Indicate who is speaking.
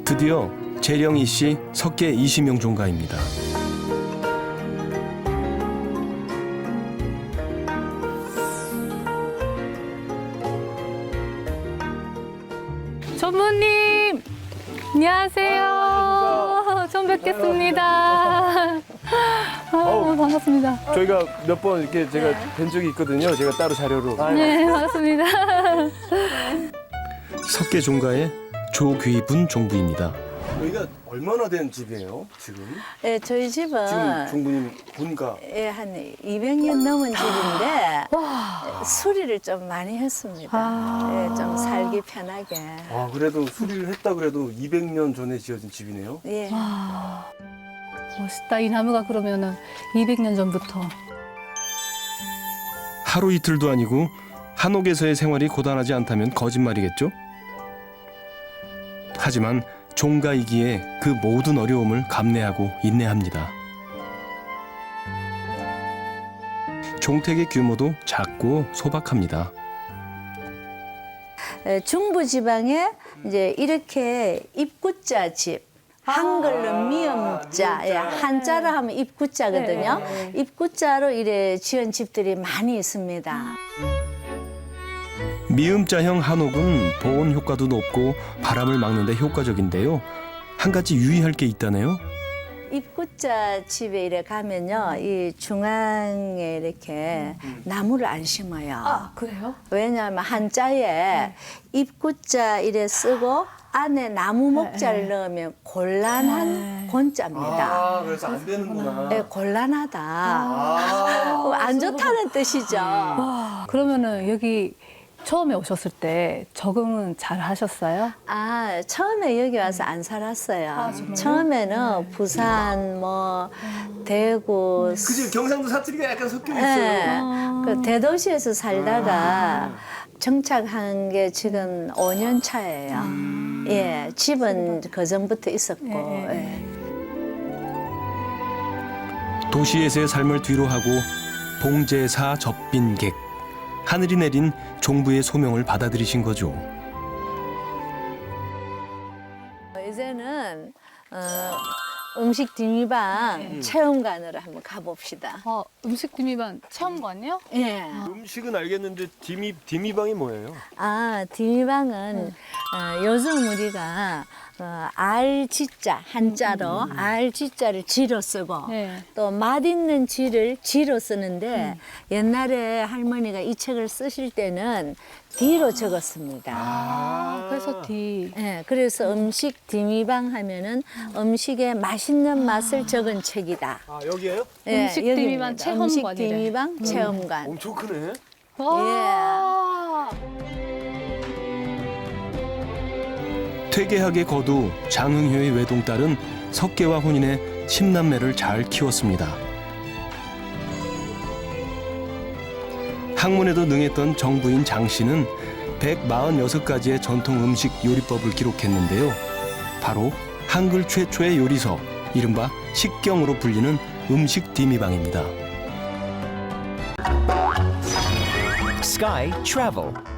Speaker 1: 드디어 재령이 씨 석계 이시명 종가입니다.
Speaker 2: 전무님, 안녕하세요. 처음 뵙겠습니다. 반갑습니다.
Speaker 1: 저희가 몇 번 이렇게 제가 뵌 적이 있거든요. 제가 따로 자료로.
Speaker 2: 네, 반갑습니다.
Speaker 1: 석계 종가의 조귀분 종부입니다. 여기가 얼마나 된 집이에요, 지금?
Speaker 3: 네, 저희 집은
Speaker 1: 지금 종부님 본가.
Speaker 3: 예, 한 200년 넘은 집인데 수리를 좀 많이 했습니다. 예, 좀 살기 편하게.
Speaker 1: 아, 그래도 수리를 했다 그래도 200년 전에 지어진 집이네요.
Speaker 3: 예.
Speaker 2: 멋있다. 이 나무가 그러면은 200년 전부터.
Speaker 1: 하루 이틀도 아니고 한옥에서의 생활이 고단하지 않다면 거짓말이겠죠? 하지만 종가이기에 그 모든 어려움을 감내하고 인내합니다. 종택의 규모도 작고 소박합니다.
Speaker 3: 예, 중부 지방에 이제 이렇게 입구자 집. 한글로 미음자, 예, 한자로 하면 입구자거든요. 입구자로 이래 지은 집들이 많이 있습니다.
Speaker 1: 미음자형 한옥은 보온 효과도 높고 바람을 막는 데 효과적인데요. 한 가지 유의할 게 있다네요.
Speaker 3: 입구자 집에 이래 가면요, 이 중앙에 이렇게 나무를 안 심어요.
Speaker 2: 아, 그래요?
Speaker 3: 왜냐하면 한자에 입구자 이래 쓰고 안에 나무 목자를 넣으면 곤란한 곤자입니다.
Speaker 1: 그래서 안 되는구나.
Speaker 3: 네, 곤란하다. 안 좋다는 뜻이죠.
Speaker 2: 그러면은 여기 처음에 오셨을 때 적응은 잘 하셨어요?
Speaker 3: 아, 처음에 여기 와서 안 살았어요. 처음에는 부산, 뭐, 대구,
Speaker 1: 그지 경상도 사투리가 약간 섞여
Speaker 3: 네, 그 대도시에서 살다가 정착한 게 지금 5년 차예요. 예, 집은 그 전부터 있었고. 예.
Speaker 1: 도시에서의 삶을 뒤로하고 봉제사 접빈객, 하늘이 내린 종부의 소명을 받아들이신 거죠.
Speaker 3: 이제는 음식 뒷미방 체험관으로 한번 가봅시다.
Speaker 2: 음식 비밀반 체험관이요?
Speaker 3: 예.
Speaker 1: 음식은 알겠는데 디미방이 뭐예요?
Speaker 3: 아, 뒷미방은 요즘 우리가 알지자 한자로 알지자를 지로 쓰고
Speaker 2: 네.
Speaker 3: 또 맛있는 지를 지로 쓰는데 옛날에 할머니가 이 책을 쓰실 때는 D로 적었습니다.
Speaker 2: 그래서 D.
Speaker 3: 예, 그래서 음식 디미방 하면은 음식의 맛있는 맛을 적은 책이다.
Speaker 1: 아, 여기에요?
Speaker 3: 예,
Speaker 2: 음식
Speaker 3: 여기입니다.
Speaker 2: 디미방 체험관이래.
Speaker 3: 음식 디미방 체험관.
Speaker 1: 엄청 크네.
Speaker 2: 와.
Speaker 1: 퇴계하게 거두 장흥효의 외동딸은 석계와 혼인해 10남매를 잘 키웠습니다. 학문에도 능했던 정부인 장 씨는 146가지의 전통 음식 요리법을 기록했는데요. 바로 한글 최초의 요리서, 이른바 식경으로 불리는 음식 디미방입니다.
Speaker 4: Sky Travel.